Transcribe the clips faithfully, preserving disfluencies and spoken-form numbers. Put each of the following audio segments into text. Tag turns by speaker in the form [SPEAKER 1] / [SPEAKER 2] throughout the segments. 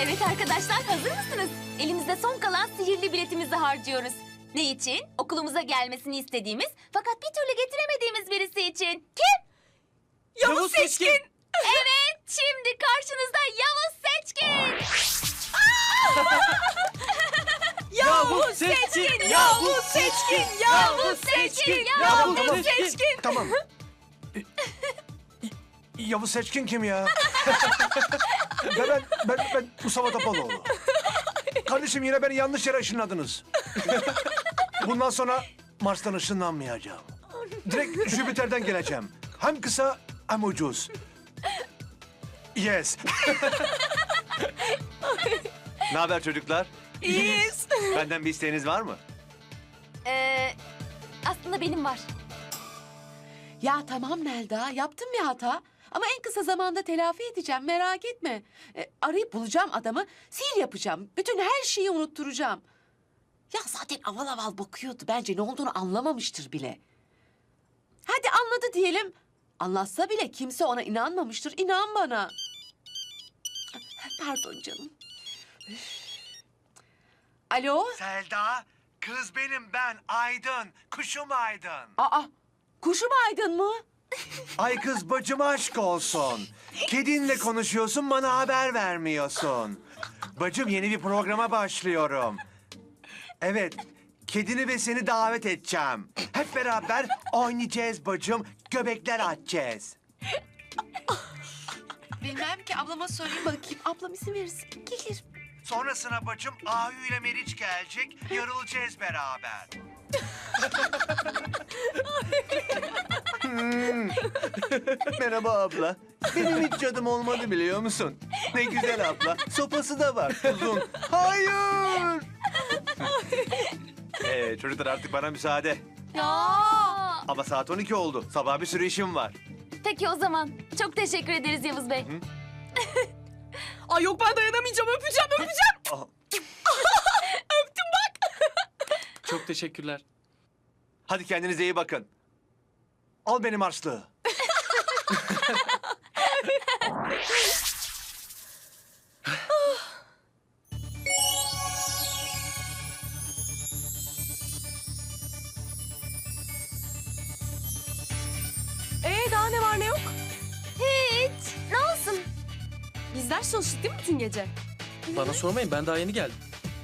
[SPEAKER 1] Evet arkadaşlar, hazır mısınız? Elimizde son kalan sihirli biletimizi harcıyoruz. Ne için? Okulumuza gelmesini istediğimiz fakat bir türlü getiremediğimiz birisi için. Kim?
[SPEAKER 2] Yavuz, Yavuz Seçkin. Seçkin.
[SPEAKER 1] Evet, şimdi karşınızda Yavuz Seçkin.
[SPEAKER 2] Yavuz Seçkin, Yavuz Seçkin, Yavuz Seçkin, Yavuz Seçkin.
[SPEAKER 3] Tamam. Yavuz Seçkin kim ya? ya ben, ben, ben Mustafa Topaloğlu. Kardeşim yine beni yanlış yere ışınladınız. Bundan sonra Mars'tan ışınlanmayacağım. Direkt Jüpiter'den geleceğim. Hem kısa hem ucuz. Yes.
[SPEAKER 4] Ne haber çocuklar?
[SPEAKER 2] İyiyiz.
[SPEAKER 4] Benden bir isteğiniz var mı?
[SPEAKER 1] Ee, aslında benim var.
[SPEAKER 5] Ya tamam Melda, yaptım bir hata. Ama en kısa zamanda telafi edeceğim, merak etme. E, arayıp bulacağım adamı, sihir yapacağım. Bütün her şeyi unutturacağım. Ya zaten aval aval bakıyordu. Bence ne olduğunu anlamamıştır bile. Hadi anladı diyelim. Anlatsa bile kimse ona inanmamıştır. İnan bana. Pardon canım. Üf. Alo?
[SPEAKER 3] Selda, kız benim ben Aydın. Kuşum Aydın.
[SPEAKER 5] Aa, kuşum Aydın mı?
[SPEAKER 3] Ay kız bacıma aşk olsun. Kedinle konuşuyorsun bana haber vermiyorsun. Bacım yeni bir programa başlıyorum. Evet, kedini ve seni davet edeceğim. Hep beraber oynayacağız bacım, göbekler atacağız.
[SPEAKER 5] Bilmem ki, ablama sorayım bakayım. Ablam izin verirse gelir.
[SPEAKER 3] Sonrasına bacım Ahu ile Meriç gelecek, yarılacağız beraber.
[SPEAKER 4] Hmm. Merhaba abla. Benim hiç cadım olmadı biliyor musun? Ne güzel abla. Sopası da var uzun. Hayır. ee, çocuklar artık bana müsaade.
[SPEAKER 1] Ya.
[SPEAKER 4] Ama saat on iki oldu. Sabah bir sürü işim var.
[SPEAKER 1] Peki o zaman. Çok teşekkür ederiz Yavuz Bey.
[SPEAKER 2] Ay yok, ben dayanamayacağım, öpeceğim, öpeceğim.
[SPEAKER 4] Ah,
[SPEAKER 2] Öptüm bak.
[SPEAKER 6] Çok teşekkürler.
[SPEAKER 4] hadi kendinize iyi bakın.
[SPEAKER 3] Al benim harçlığı.
[SPEAKER 2] Ee daha ne var ne yok?
[SPEAKER 1] Hiç. Ne olsun?
[SPEAKER 2] Biz ders çalıştık değil mi bütün gece?
[SPEAKER 6] Bana sormayın, ben daha yeni geldim.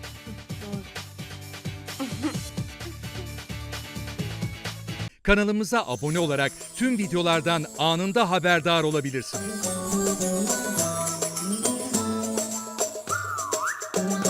[SPEAKER 7] Kanalımıza abone olarak tüm videolardan anında haberdar olabilirsiniz.